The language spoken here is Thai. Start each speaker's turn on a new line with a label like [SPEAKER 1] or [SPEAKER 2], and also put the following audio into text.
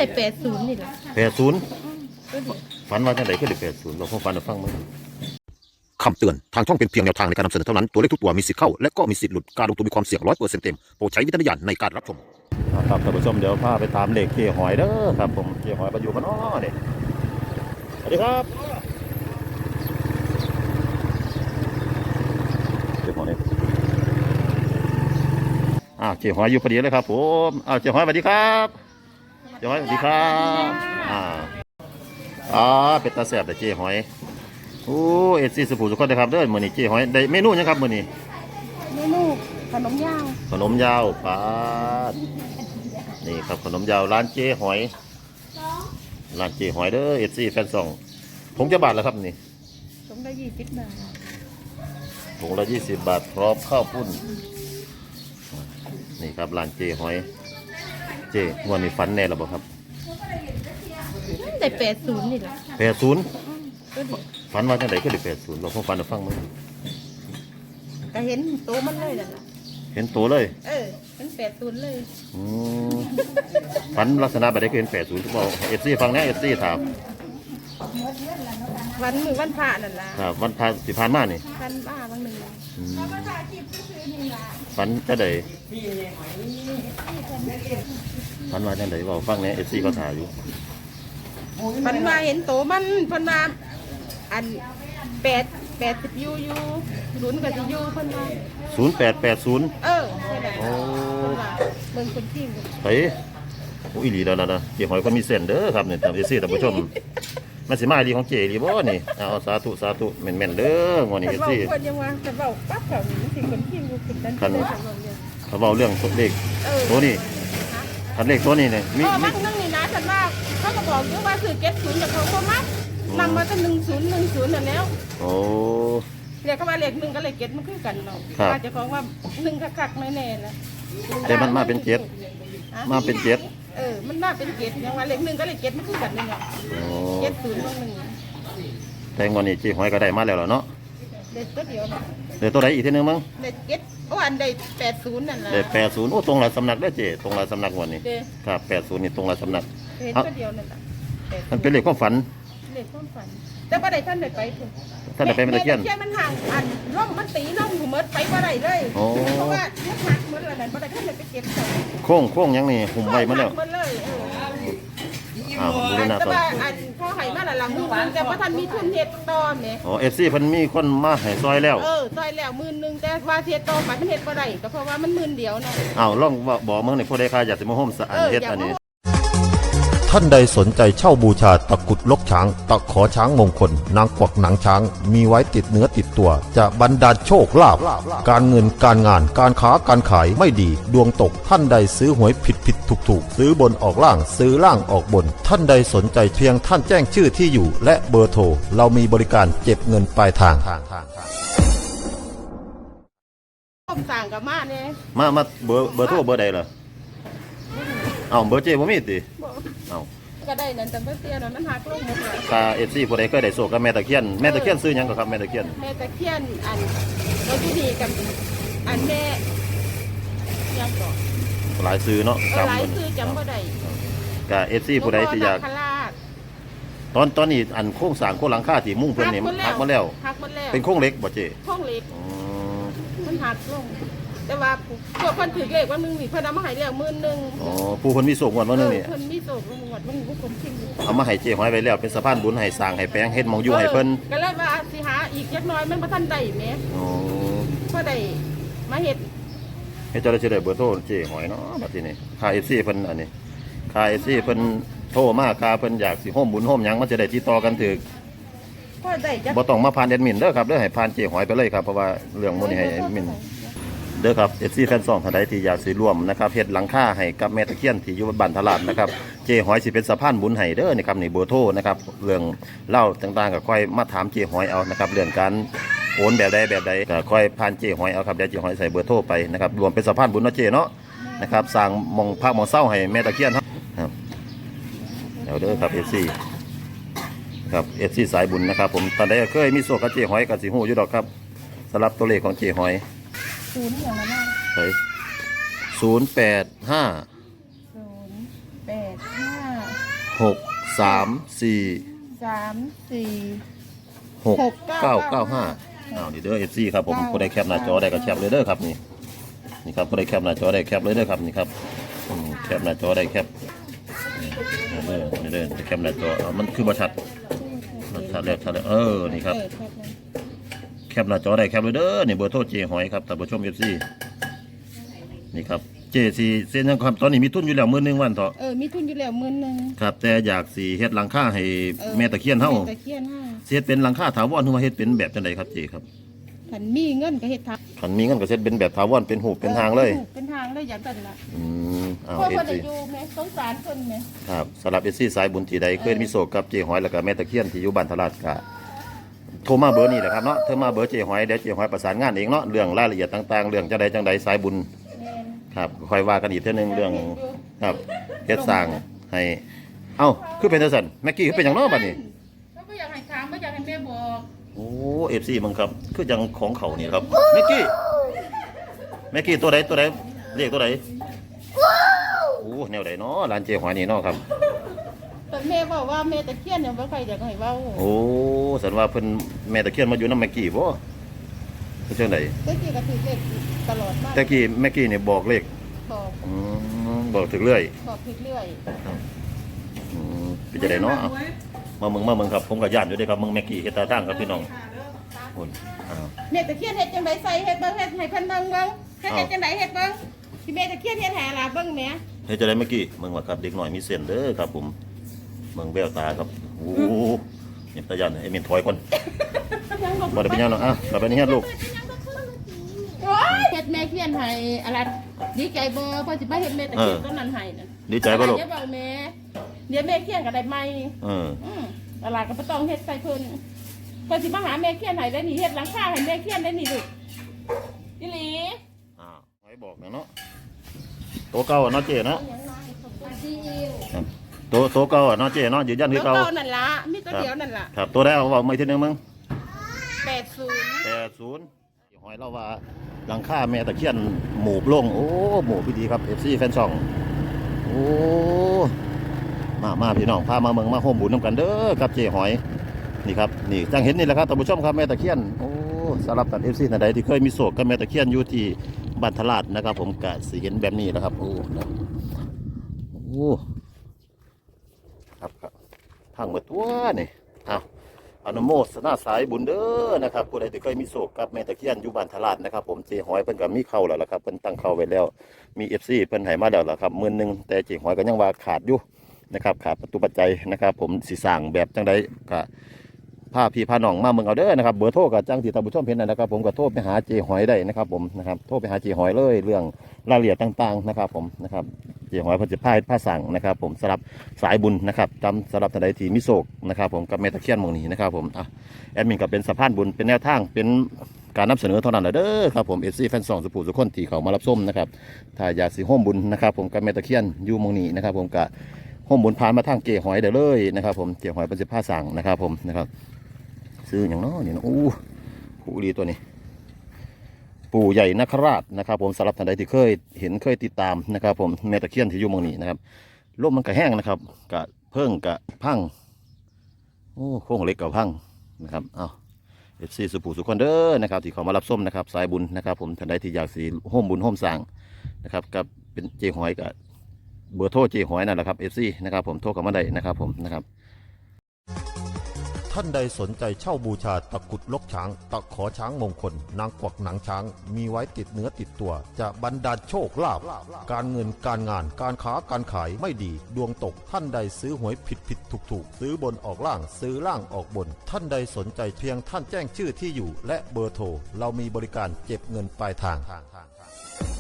[SPEAKER 1] ได้80นี่แหละ
[SPEAKER 2] 80
[SPEAKER 1] ก็ดี
[SPEAKER 2] ฝันว่าจังได๋คือได้80เราคงฝันให้ฟังมั้ยคำเตือนทางช่องเป็นเพียงแนวทางในการนำเสนอเท่านั้นตัวเลขทุกตัวมีสิทธิ์เข้าและก็มีสิทธิ์หลุดการลงทุนมีความเสี่ยง 100% เต็มโปรดใช้วิจารณญาณในการรับชมครับท่านผู้ชมเดี๋ยวพาไปตามเลขเจ๊หอยเด้อครับผมเจ๊หอยมาอยู่กันนี่สวัสดีครับเจ๊หอยเจ๊หอยอยู่พอดีเลยครับผมเจ๊หอยสวัสดีครับเจ๊หอยสวัสดีครับเป็นตาแซ่บแต่เจ๊หอยโอ้เอซี่สุภูสุขคนนะครับเด้อมื้อนี้เจ๊หอยได้เมนูหยังครับมื้อนี้
[SPEAKER 1] เมนูขนมยาว
[SPEAKER 2] ปาดนี่ครับขนมยาวร้านเจ๊หอยเด้อเอซี่แฟนซองถุงจะบาทแล้วครับนี่
[SPEAKER 1] ถุงละ20 บาท
[SPEAKER 2] ถุงละ20 บาทพร้อมข้าวปุ้นนี่ครับร้านเจ๊หอยเจ๊งวดนี้ฝันแน่หรือเปล่าครับ
[SPEAKER 1] ได้80นี่แหละ
[SPEAKER 2] 80
[SPEAKER 1] ก็ดี
[SPEAKER 2] ฝันว่าจังได๋คือได้80เราคงฝันให้ฟังมั้ย
[SPEAKER 1] ก็เห็นโตมันเลยนั่นล่ะ
[SPEAKER 2] เห็นตัวเลย
[SPEAKER 1] มัน80เลย
[SPEAKER 2] ฝันลักษณะแบบใดคือเห็น80ทุกบ่เอฟซีฟังแน่เอฟซีถาม
[SPEAKER 1] วันพระนั่นล่ะ
[SPEAKER 2] ครับวันพระสิผ่านมานี่
[SPEAKER 1] พันบ้าบางนึง
[SPEAKER 2] ฝันจังได๋ฝันว่าจังได๋เว้าฟังแน่เอฟซีก็ถ่ายอยู่
[SPEAKER 1] ฝันว่าเห็นโตมันเพิ่นว่าอัน80อยู่0ก็สิอยู่เพิ่นว่า
[SPEAKER 2] 0880
[SPEAKER 1] ใช่แล้วเบิ่งคนที่
[SPEAKER 2] ไปโอ้อีหลีแล้วนะเจ๊หอยคนมีเส้นเด้อครับนี่ท่านเอฟซีท่านผู้ชมมันสิมาอีหลีของเจ๊อีหลีบ่นี่เอาสาธุแม่นๆเด้องวดนี้เอฟซี
[SPEAKER 1] เพิ่นยังว่าจะเว้าปั๊บเขานี่สิคนที่อยู่ติดกันเลย
[SPEAKER 2] เขาเว้าเรื่องเลขตัวนี้คันเลขตัวนี้เนี่ย
[SPEAKER 1] มีมักนึงนี่นะฉันว่าเขาก็บอกอยู่ว่าคือ70แต่เขาบ่มักนำมาก็1010นั่นแล้ว
[SPEAKER 2] โอ้
[SPEAKER 1] เรียกเขาว่าเลข1กับเลข7มันคือกันเนาะว่าเจ้าของว่า1คักๆแน่ๆนะ
[SPEAKER 2] แต่มันมาเป็น7มันมาเป็น
[SPEAKER 1] 7ยังว่าเลข1กับเลข7มันคือกันนี่เนาะ70ลง1
[SPEAKER 2] แต่งวันนี้เจ๊หอยก็ได้มาแล้วเนาะ
[SPEAKER 1] เด็ดตัวเดียวเนาะ
[SPEAKER 2] เดี๋ยวตัวใดอีกทีนึงมั้ง
[SPEAKER 1] เด็ดอันใด80นั่นล่ะ
[SPEAKER 2] ได้80โอ้ตรงหลายสำนักเด้อเจ๊ตรงหลายสำนักวันนี้ครับ80นี่ตรงหลายสำนัก
[SPEAKER 1] เห็นตัวเดียวนั่นล่ะ
[SPEAKER 2] มันเป็นเลขความฝัน
[SPEAKER 1] แต่บ่ได้ท่านได้ไปพุ่น
[SPEAKER 2] ท่านได้ไปแม่ตะเคียน
[SPEAKER 1] มันห่างอันร่มมันตีร่มหูเมิดไปบ่ได้เลยเพราะว่ามันหักหมดแล้วนั่นบ่ได้ท่านได้ไปเก็บ
[SPEAKER 2] โค้งยังนี่หุ่มไว้มาแล้ว
[SPEAKER 1] บูรณะต่ออันพอให้มาละหลังมื้อนึงแต่ว่าท่านมีทุนเฮ็ดต่อแหม
[SPEAKER 2] FC เพิ่นมีคนมาให้ซอยแล้ว
[SPEAKER 1] ซอยแล้ว10,000แต่ว่าเฮ็ดต่อไปมันเฮ็ดบ่ได้ก็เพราะว่ามัน10,000เดียวเนาะ
[SPEAKER 2] ลองบอกเมืองนี่ผู้ใดค่าอยากสิมาร่วมเฮ็ดอันนี้
[SPEAKER 3] ท่านใดสนใจเช่าบูชาตะกุดลกช้างตะขอช้างมงคลนางกวักหนังช้างมีไว้ติดเนื้อติดตัวจะบรรดาลโชคลาภการเงินการงานการค้าการขายไม่ดีดวงตกท่านใดซื้อหวยผิดถูกซื้อบนออกล่างซื้อล่างออกบนท่านใดสนใจเพียงท่านแจ้งชื่อที่อยู่และเบอร์โทรเรามีบริการเก็บเงินปลายทาง
[SPEAKER 1] สั่งกับมาเนี่ย
[SPEAKER 2] มาเบอร์โทรเบอร์ใดล่ะเบอร์เจ๊บ่มีติ
[SPEAKER 1] ก็ได้นั่นแต่เมื่อเตี้ยนั้นหักลงหมดเลย
[SPEAKER 2] FC ผู้ใดเคยได้โชคกับแม่ตะเคียนซื้อหยังก็ครับแม่ตะเคียน
[SPEAKER 1] อันเราที่ดีกับอันแม่ยังก่
[SPEAKER 2] อหลายซื้อเนาะ
[SPEAKER 1] หลายซื้อจำบ่ได้
[SPEAKER 2] ก็ FC ผู้ใดที่อยากตอนนี้อันโครงสร้างโครงหลังคาที่มุ่งเพิ่นนี่หักหมดแล้วเป็นโครงเหล็กบ่เจ๊
[SPEAKER 1] โครงเหล็กมันหักลงแต่ว่าพวกคนถือเลขว่ามึงมีเพิ่นเอามาให้แล้ว10,000
[SPEAKER 2] ผู้คนมีโศกวันนึงนี่
[SPEAKER 1] เพิ่นมีโศกวันมึงผู้คนทิ้ง
[SPEAKER 2] เอามาให้เจ๊หอยไว้แล้วเป็นสะพานบุญให้สร้างให้แปลงเฮ็ดมองอยู่ให้เพิ่น
[SPEAKER 1] ก็เลยว่าสิหาอีกจักหน่อยมันบ่ทันได้แหมบ่ได้มาเฮ็ด
[SPEAKER 2] เจ้าได้สิได้เบอร์โทรเจ๊หอยเนาะบัดนี้นี่ค่า FC เพิ่นอันนี้ค่า FC เพิ่นโทรมาค่าเพิ่นอยากสิร่วมบุญร่วมหยังมันจะได้ติดต่อกันถูกบ่ต้องมาผ่านแอดมินเด้อครับเด้อให้ผ่านเจ๊หอยไปเลยครับเพราะว่าเรื่องมื้อนี้ให้แอดมินเด้อครับFC แฟนซองท่านใดที่อยากสิร่วมนะครับเฮ็ดหลังคาให้กับแม่ตะเคียนที่อยู่บ้านทลาดนะครับเจ๊หอยสิเป็นสะพานบุญให้เด้อนี่ครับนี่เบอร์โทรนะครับเรื่องเล่าต่างๆก็ค่อยมาถามเจ๊หอยเอานะครับเรื่องการโอนแบบใดก็ค่อยผ่านเจ๊หอยเอาครับเดี๋ยวเจ๊หอยใส่เบอร์โทรไปนะครับรวมเป็นสะพานบุญเนาะเจ๊เนาะนะครับสร้างมองพักมองเศร้าให้แม่ตะเคียนครับเดี๋ยวเด้อครับ FC ครับ FC สายบุญนะครับผมตอนใดเคยมีโชคกับเจ๊หอยก็สิฮู้อยู่ดอกครับสำหรับตัวเลขของเจ๊หอย
[SPEAKER 1] อย่างนั้น
[SPEAKER 2] เฮ้ย085
[SPEAKER 1] 085
[SPEAKER 2] อ้าวนี่เด้อ FC ครับผมผู้ใดแคปหน้าจอได้ก็แคปเลยเด้อครับนี่ครับผู้ใดแคปหน้าจอได้แคปเลยเด้อครับนี่ครับแคปหน้าจอได้แคปนี่เด้อแคปหน้าจอมันคือบ่ชัดชัดแล้วนี่ครับแคปหน้าจอได้แคปเลยเด้อนี่เบอร์โทรเจหอยครับท่านผู้ชม FC นี่ครับเจสีเส้นยังครับตอนนี้มีทุนอยู่แล้วมื้อนึงวันเถาะ
[SPEAKER 1] มีทุนอยู่แล้ว10,000
[SPEAKER 2] ครับแต่อยากสิเฮ็ดหลังคาให้แม่ตะเคียนเฮา
[SPEAKER 1] ตะเคียนเฮา
[SPEAKER 2] เฮ็ดเป็นหลังคาถาวรหรือว่าเฮ็ดเป็นแบบจังไดครับเจครับ
[SPEAKER 1] คันมีเงินก็เฮ็ดทับ
[SPEAKER 2] คันมีเงินก็เฮ็ดเป็นแบบถาวรเป็นหูปเป็นทางเลย
[SPEAKER 1] เป็นทางเลยอย่างนั้นล่ะ
[SPEAKER 2] เอา
[SPEAKER 1] เฮ็ดสิอยู่แม่สงสารเพิ่นแม่
[SPEAKER 2] ครับสำหรับ FC สายบุญที่ใดเคยมีโศกกับเจหอยแล้วก็แม่ตะเคียนที่อยู่บ้านทลาดก็โทรมาเบอร์นี้แหละครับเนาะโทรมาเบอร์เจหอยเดี๋ยวเจหอยประสานงานเองเนาะเรื่องรายละเอียดต่างๆเรื่องจังใดสายบุญครับค่อยว่ากันอีกเท่านึงเรื่องครับเฮ็ดสร้างให้เอ้าคือเป็นจังซั่นแม็กกี้คือเป็นหยังเนาะบัดนี้
[SPEAKER 1] ก็บ่อยากให้ถามบ่อยากให้แม่บอก
[SPEAKER 2] โอ้ FC มึงครับคือจังของเขานี่ครับแม็กกี้ตัวใดเรียกตัวใดโอ้แนวใดเนาะร้านเจหอยนี่เนาะครับ
[SPEAKER 1] แต่แม่บอกว่าแม่ตะเคียนเนี่ยบ่ค่อยอยากให้เว้า
[SPEAKER 2] โอ้สันว่าเพิ่นแม่ตะเคียนมาอยู่นำแม็กกี้บ่คือจังได๋
[SPEAKER 1] ตะกี้ก็ถือเลขตลอดมา
[SPEAKER 2] ตะกี้แม็กกี้นี่บอกเลขบอกถึงเรื่อย
[SPEAKER 1] บอกถึงเรื่อย
[SPEAKER 2] เป็นจังได๋เนาะมาเมืองครับผมก็ย่านอยู่เด้ครับเมืองแม็กกี้เฮ็ดตาตั้งครับพี่น้องพุ่น
[SPEAKER 1] แม่ตะเคียนเฮ็ดจังได๋ใส่เฮ็ดเบิ่งเฮ็ดให้เพิ่นเบิ่งเฮ็ดจังได๋เฮ็ดเบิ่งที่แม่ตะเคียนเฮ็ดให้ล่ะเบิ่งแม่
[SPEAKER 2] เฮ็ดจังได๋แม็กกี้เมืองว่าครับเด็กน้อยมีเส้นเด้อครับผมเมืองแววตาครับโอ้เนี่ยตาย่านไอ้เม่นถอยก่อนบ่ได้เป็นหยังเนาะเราไปนี่เฮ็ดลูก
[SPEAKER 1] เฮ็ดแม่เคียนให้อะไรดีใจบ่พอสิมาเฮ็ดแม่ตะเคียนตอนนั้นให้นั่น
[SPEAKER 2] ดีใจบ่ลูก
[SPEAKER 1] อย่าเว้าแม่เดี๋ยวแม่เคียนก็ได้ใหม่อะไรก็บ่ต้องเฮ็ดใส่เพิ่นพอสิมาหาแม่เคียนให้ได้นี่เฮ็ดหลังคาให้แม่เคียนได้นี่ลูกอีหลี
[SPEAKER 2] ให้บอกเนาะโตเก่าเนาะเจ๊เนาะโตเก่าเนาะเจ๊เนาะยืนยันคือเก่า
[SPEAKER 1] นั่นล่ะมีตัวเดียวนั่นล่ะ
[SPEAKER 2] ครับตัวได้เอาเว้าใหม่ทีนึงมึง80หอยเราว่าหลังคาแม่ตะเคียนหมู่ลงโอ้หมู่พี่ดีครับ FC แฟนช่องโอ้มาพี่น้องพามาเมืองมาโฮมบุญนำกันเด้อครับเจ๊หอยนี่ครับนี่จังเห็นนี่แหละครับท่านผู้ชมครับแม่ตะเคียนโอ้สำหรับท่าน FC ท่านใดที่เคยมีโศกกับแม่ตะเคียนอยู่ที่บ้านทลาดนะครับผมก็สิเห็นแบบนี้แหละครับโอ้ครับทางเมื่อตัวนี่อนุโมทนาสายบุญเด้อนะครับผู้ใดที่เคยมีโศกกับแม่ตะเคียนอยู่บ้านทลาดนะครับผมเจหอยเพิ่นก็มีเข้าแล้วล่ะครับเพิ่นตั้งเข้าไว้แล้วมี FC เพิ่นให้มาแล้วล่ะครับ10,000แต่เจหอยก็ยังว่าขาดอยู่นะครับขาดประตูปัจจัยนะครับผมสิสร้างแบบจังไดก็พาพี่พาน้องมาเมืองเอาเด้อนะครับเบอร์โทรก็จังที่ท่านผู้ชมเห็นนะครับผมก็โทรไปหาเจหอยได้นะครับผมนะครับโทรไปหาเจหอยเลยเรื่องรายละเอียดต่างๆนะครับผมนะครับเจหอยเพิ่นจะผ้าสั่งนะครับผมสำหรับสายบุญนะครับจำสำหรับท่านใดที่มีโศกนะครับผมกับแม่ตะเคียนหม่องนี้นะครับผมแอดมินก็เป็นสะพานบุญเป็นแนวทางเป็นการนำเสนอเท่านั้นเด้อครับผมFC แฟน2สุภูสุคนที่เขามารับชมนะครับถ้าอยากสิร่วมบุญนะครับผมกับแม่ตะเคียนอยู่หม่องนี้นะครับผมก็ร่วมบุญผ่านมาทางเจหอยได้เลยนะครับผมเจหอยเป็นผ้าสั่งนะครับผมนะครับซื้ออย่างน้อนี่นะผู้ดีตัวนี้ปู่ใหญ่นคราชนะครับผมสำหรับท่านใดที่เคยเห็นเคยติดตามนะครับผมแม่ตะเคียนที่อยู่เมืองนี้นะครับลมมันก็แห้งนะครับกะเพิ่งกะพังโค้งเล็กกับพังนะครับFC สุภูสุคนเด้อนะครับที่เขามารับส้มนะครับสายบุญนะครับผมท่านใดที่อยากสีโฮมบุญโฮมสร้างนะครับกับเป็นเจหอยกับเบอร์โทรเจหอยนั่นแหละครับ FC นะครับผมโทรเข้ามาได้นะครับผมนะครับ
[SPEAKER 3] ท่านใดสนใจเช่าบูชาตะกุดลกช้างตะขอช้างมงคลนางกวักหนังช้างมีไว้ติดเนื้อติดตัวจะบรรดาลโชคลาภการเงินการงานการค้าการขายไม่ดีดวงตกท่านใดซื้อหวยผิดถูกซื้อบนออกล่างซื้อล่างออกบนท่านใดสนใจเพียงท่านแจ้งชื่อที่อยู่และเบอร์โทรเรามีบริการเก็บเงินปลายทาง